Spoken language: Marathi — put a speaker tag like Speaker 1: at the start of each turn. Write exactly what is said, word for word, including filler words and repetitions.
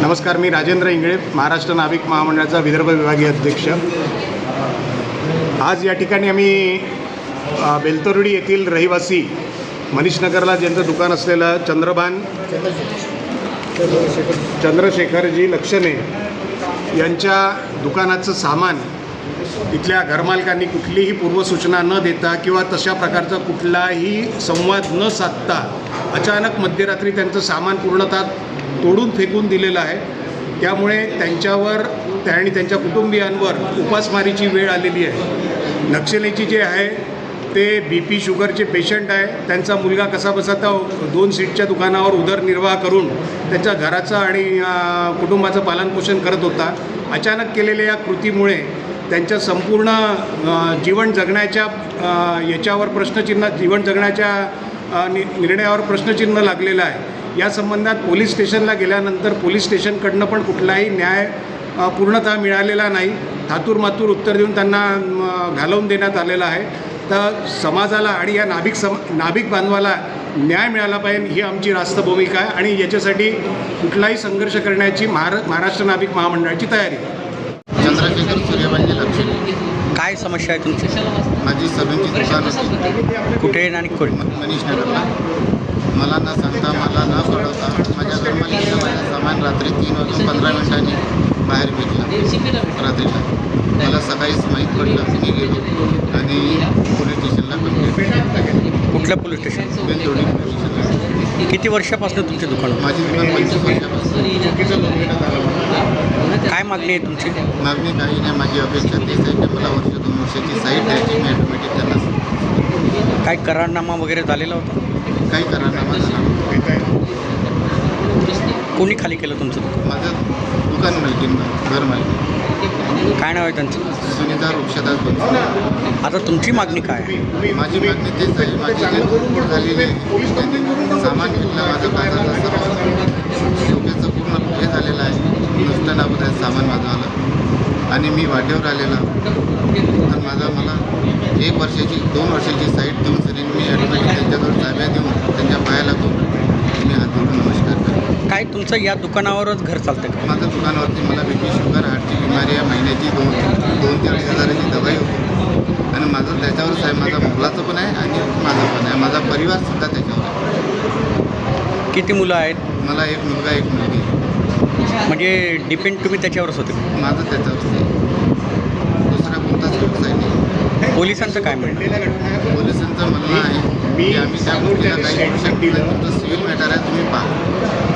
Speaker 1: नमस्कार, मी राजेंद्र इंगळे, महाराष्ट्र नाभिक महामंडळाचा विदर्भ विभागीय अध्यक्ष। आज या ठिकाणी आम्ही बेलतरोडी येथील रहिवासी मनीषनगरला ज्यांचं दुकान असलेलं चंद्रभान चंद्रशेखरजी लक्षणे यांच्या दुकानाचं सामान इथल्या घरमालकांनी कुठलीही पूर्वसूचना न देता किंवा तशा प्रकारचा कुठलाही संवाद न साधता अचानक मध्यरात्री त्यांचं सामान पूर्णतः तोडून फेकून दिलेलं आहे। त्यामुळे त्यांच्यावर त्या आणि त्यांच्या कुटुंबियांवर उपासमारीची वेळ आलेली आहे। नक्षलीची जे आहे ते बी पी शुगरचे पेशंट आहे। त्यांचा मुलगा कसा बसा तर दोन सीटच्या दुकानावर उदरनिर्वाह करून त्यांच्या घराचं आणि कुटुंबाचं पालनपोषण करत होता। अचानक केलेल्या या कृतीमुळे त्यांच्या संपूर्ण जीवन जगण्याच्या याच्यावर प्रश्नचिन्ह जीवन जगण्याच्या नि निर्णयावर प्रश्नचिन्ह लागलेलं आहे। या संबंधात पोलीस स्टेशनला गेल्यानंतर पोलीस स्टेशनकडनं पण कुठलाही न्याय पूर्णतः मिळालेला नाही। थातूरमातूर उत्तर देऊन त्यांना घालवून देण्यात आलेलं आहे। तर समाजाला आणि या नाभिक सम नाभिक बांधवाला न्याय मिळाला पाहिजे ही आमची रास्त भूमिका आहे आणि याच्यासाठी कुठलाही संघर्ष करण्याची महारा महाराष्ट्र नाभिक महामंडळाची तयारी आहे।
Speaker 2: चंद्रशेखर सूर्यवंशी लक्षणे।
Speaker 3: काय समस्या आहे तुमची?
Speaker 2: माझी सलूनची दुकान होती
Speaker 3: कुठे आणि कोण?
Speaker 2: मनीषनगरला। मला न सांगता मला न कळवता माझ्या घरमालकीनं माझं सामान रात्री तीन वाजून पंधरा मिनिटांनी बाहेर फेकलं रात्रीला। मला सकाळीच माहीत पडलं, मी गेलो आणि पोलीस स्टेशनला कंप्लेंट।
Speaker 3: कुठल्या पोलीस स्टेशन?
Speaker 2: बेलतरोडी पोलीस स्टेशनला।
Speaker 3: किती वर्षापासून तुमचे दुकान?
Speaker 2: माझी दुकान पंचवीस वर्षापासून।
Speaker 3: काय मागणी आहे तुमची?
Speaker 2: मागणी काही नाही, माझी अपेक्षा तेच आहे की मला वर्ष दोन वर्षाची साईट द्यायची, मी ॲटोमॅटिक त्यांना।
Speaker 3: काय करारनामा वगैरे झालेला होता?
Speaker 2: काही करारनामा झाला
Speaker 3: कोणी खाली केलं तुमचं दुकान?
Speaker 2: माझं दुकान मालकीनं घर मालकी।
Speaker 3: काय नाव आहे त्यांचं?
Speaker 2: सुनीता वृक्षदास बनसोडे।
Speaker 3: आता तुमची मागणी काय आहे?
Speaker 2: माझी मागणी तेच आहे, माझी जे तोडफोड झालेली आहे त्यांनी सामान घेतलं, माझं कागदाचं सर्व डोक्याचं पूर्ण हे झालेलं आहे, नुसतं नाबूद आहे सामान माझं आलं आणि मी वाटेवर आलेला तर माझा मला एक वर्षाची दोन वर्षाची साईट देऊन सरी मी ॲटोमॅटिक त्यांच्याजवळ ताब्या देऊन त्यांच्या पायाला तो मी हात जोडून नमस्कार करतो।
Speaker 3: काय तुमचं या दुकानावरच घर चालतं का?
Speaker 2: माझं दुकानावरती मला बी पी शुगर हार्टची बिमारी आहे, महिन्याची दोन दोन ते अडीच हजाराची दवाई होती आणि माझं त्याच्यावरच आहे। माझा मुलाचं पण आहे आणि माझं पण आहे, माझा परिवारसुद्धा त्याच्यावर आहे।
Speaker 3: किती मुलं आहेत?
Speaker 2: मला एक मुलगा एक मुलगी।
Speaker 3: म्हणजे डिपेंड तुम्ही त्याच्यावरच होते?
Speaker 2: माझं त्याच्यावरच आहे, दुसरा कोणताच व्यवसाय नाही।
Speaker 3: पोलिसांचं काय म्हणणं?
Speaker 2: पोलिसांचं म्हणणं आहे की आम्ही त्या गोष्टीला काही करू शकत नाही, तुमचं सिव्हिल मॅटर आहे, तुम्ही पहा।